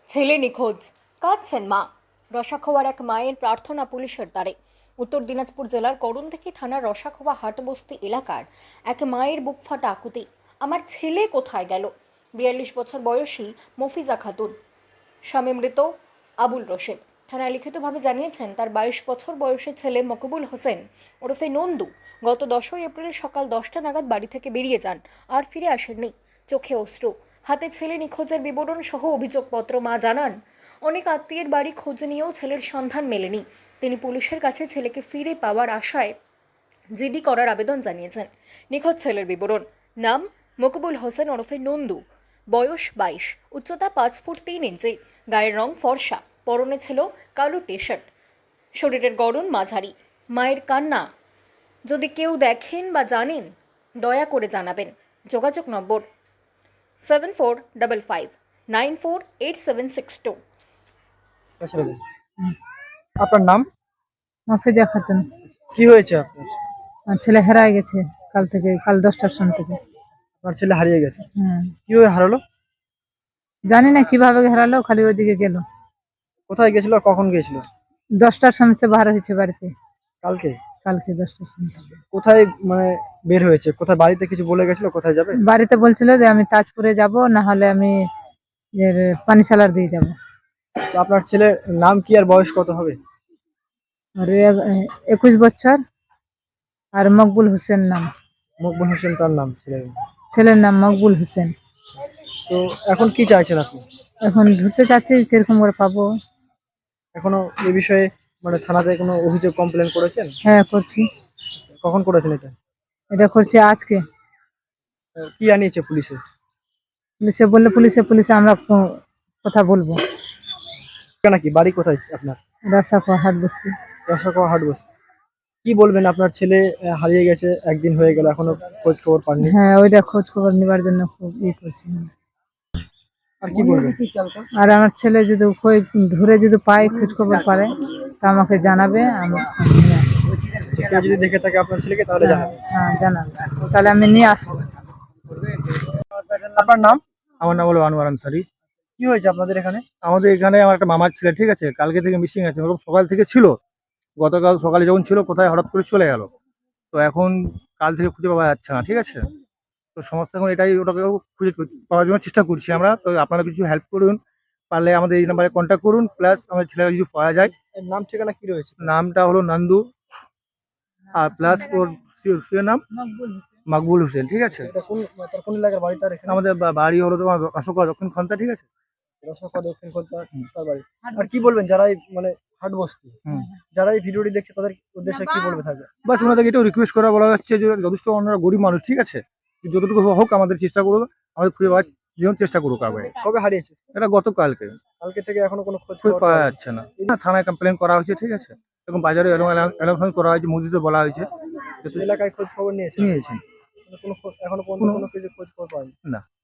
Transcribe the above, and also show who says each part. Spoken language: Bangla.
Speaker 1: ছেলে নিখোঁজ, কাঁদছেন মা। রসাখোয়ার এক মায়ের প্রার্থনা পুলিশের দ্বারে। উত্তর দিনাজপুর জেলার করণদিঘি থানার রসাখোয়া হাটবস্তি এলাকার এক মায়ের বুক ফাটা আকুতি, আমার ছেলে কোথায় গেল। 42 বছর বয়সী মফিজা খাতুন, স্বামী মৃত আবুল রশেদ থানায় লিখিতভাবে জানিয়েছেন তার 22 বছর বয়সী ছেলে মকবুল হোসেন ওরফে নন্দু গত 10ই এপ্রিল সকাল 10টা নাগাদ বাড়ি থেকে বেরিয়ে যান, আর ফিরে আসেননি। চোখে অশ্রু, হাতে ছেলে নিখোঁজের বিবরণ সহ অভিযোগপত্র। মা জানান, অনেক আত্মীয়ের বাড়ি খোঁজ নিয়েও ছেলের সন্ধান মেলেনি। তিনি পুলিশের কাছে ছেলেকে ফিরে পাওয়ার আশায় জিডি করার আবেদন জানিয়েছেন। নিখোঁজ ছেলের বিবরণ: নাম মকবুল হোসেন ওরফে নন্দু, বয়স 22, উচ্চতা 5 ফুট 3 ইঞ্চি, গায়ের রং ফর্সা, পরনে ছিল কালো টি শার্ট, শরীরের গড়ন মাঝারি। মায়ের কান্না যদি কেউ দেখেন বা জানেন দয়া করে জানাবেন। যোগাযোগ নম্বর 7455948762।
Speaker 2: আচ্ছা বেশ। আপনার নাম?
Speaker 3: মফিজা খাতুন।
Speaker 2: কি হয়েছে আপনার?
Speaker 3: আমার ছেলে হারায় গেছে কাল 10টার সময় থেকে।
Speaker 2: আপনার ছেলে হারিয়ে গেছে,
Speaker 3: হ্যাঁ,
Speaker 2: কিভাবে হারালো?
Speaker 3: জানি না কিভাবে হারালো, খালি ওইদিকে গেল।
Speaker 2: কোথায় গেছিল আর কখন গেছিল?
Speaker 3: 10টার সময় থেকে বার হয়েছে বাড়িতে,
Speaker 2: কালকে?
Speaker 3: কালকে 10টার সময় থেকে।
Speaker 2: কোথায় মানে বের হয়েছে? কোথায়, বাড়িতে কিছু বলে গেছিল কোথায় যাবে?
Speaker 3: বাড়িতে বলছিল যে আমি তাজপুরে যাব, না হলে আমি পানিশালার দিয়ে যাব।
Speaker 2: আচ্ছা, আপনার ছেলের নাম কি আর বয়স কত হবে?
Speaker 3: আর 21 বছর, আর মকবুল হোসেন নাম।
Speaker 2: মকবুল হোসেন তার নাম ছেলের।
Speaker 3: ছেলের নাম মকবুল হোসেন।
Speaker 2: তো এখন কি চাইছেন আপনি?
Speaker 3: এখন ধরতে চাচ্ছি, কিরকম করে পাবো।
Speaker 2: এখনো এই বিষয়ে মানে থানাতে কোনো অভিযোগ কমপ্লেন করেছেন?
Speaker 3: হ্যাঁ, করছি।
Speaker 2: কখন করেছেন এটা?
Speaker 3: এটা করছি আজকে।
Speaker 2: কি আনিয়েছে পুলিশে?
Speaker 3: পুলিশে আমরা কথা বলবো।
Speaker 2: নাকি বাড়ি কোথায় আপনার?
Speaker 3: রাসাখোয়া হাট বস্তি।
Speaker 2: রসাখোয়া হাট বসে। কি বলবেন, আপনার ছেলে হারিয়ে গেছে, একদিন হয়ে গেল, এখনো খোঁজ খবর পাননি।
Speaker 3: হ্যাঁ, ওইটা খোঁজ খবর নেবার জন্য খুব করছি।
Speaker 2: আর কি বলবেন?
Speaker 3: আর আমার ছেলে যদি ধরে যদি পায়, খোঁজ খবর পারে, তা আমাকে জানাবে। আমি নিয়ে আসবো।
Speaker 2: কেউ যদি দেখে থাকে আপনার ছেলেকে তাহলে
Speaker 3: হ্যাঁ,
Speaker 2: জানাবেন।
Speaker 3: হ্যাঁ, জানাবে, তাহলে আমি নিয়ে আসবো।
Speaker 2: আপনার নাম?
Speaker 4: আমার নাম হলো আনোয়ার আনসারি।
Speaker 2: কি হয়েছে আপনাদের এখানে?
Speaker 4: আমাদের এখানে আমার একটা মামার ছেলে, ঠিক আছে, কালকে থেকে মিসিং আছে। ওরকম সকাল থেকে ছিল, গতকাল সকালে যখন ছিল কোথায় হঠাৎ করে চলে গেল। তো এখন কাল থেকে খুঁজে পাওয়া যাচ্ছে না, ঠিক আছে। তো সমস্যা এখন এটাই, ওটাকে খুঁজে পাওয়ার জন্য চেষ্টা করছি আমরা। তো আপনারা কিছু হেল্প করুন, পারলে আমাদের এই নাম্বারে কন্ট্যাক্ট করুন, প্লাস আমাদের ছেলেরা যদি পাওয়া যায়।
Speaker 2: এর নাম ঠিকানা কি রয়েছে?
Speaker 4: নামটা হলো নন্দু, আর প্লাস ওর স্ত্রীর নাম
Speaker 3: মকবুল হোসেন।
Speaker 4: মকবুল হোসেন, ঠিক আছে।
Speaker 2: এটা তার কোন এলাকার বাড়ি তার এখানে?
Speaker 4: আমাদের বাড়ি হলো তোমার অশোকা দক্ষিণ খন্তা, ঠিক আছে।
Speaker 2: রসাখোয়া দক্ষিণ কলকাতা তার বাড়ি। আর কি বলবেন যারা এই মানে হাট বস্তি,
Speaker 4: হুম।
Speaker 2: যারা এই ভিডিওটি দেখছে তাদের উদ্দেশ্যে কি বলবে থাকবে?
Speaker 4: বাস ওনাদেরকে এটাও রিকোয়েস্ট করা বলা যাচ্ছে যে যথেষ্ট ওনারা গরিব মানুষ, ঠিক আছে, যতটুকু হোক আমাদের চেষ্টা করবো, আমাদের খুঁজে পাওয়ার জন্য চেষ্টা করুক আগে।
Speaker 2: কবে হারিয়েছে?
Speaker 4: এটা গতকালকে।
Speaker 2: কালকে থেকে এখনো কোনো খোঁজ
Speaker 4: খুঁজে
Speaker 2: খবর
Speaker 4: পাওয়া
Speaker 2: পাওয়া যাচ্ছে?
Speaker 4: যাচ্ছে না। থানায় কমপ্লেন করা হয়েছে, ঠিক আছে, এবং বাজারে অ্যালাউন্স করা হয়েছে, মসজিদে বলা হয়েছে।
Speaker 2: এলাকায় খোঁজ খবর নিয়েছে?
Speaker 4: নিয়েছেন
Speaker 2: এখনো পর্যন্ত কোনো কিছু খোঁজ খবর পাওয়া যায়নি।
Speaker 4: না।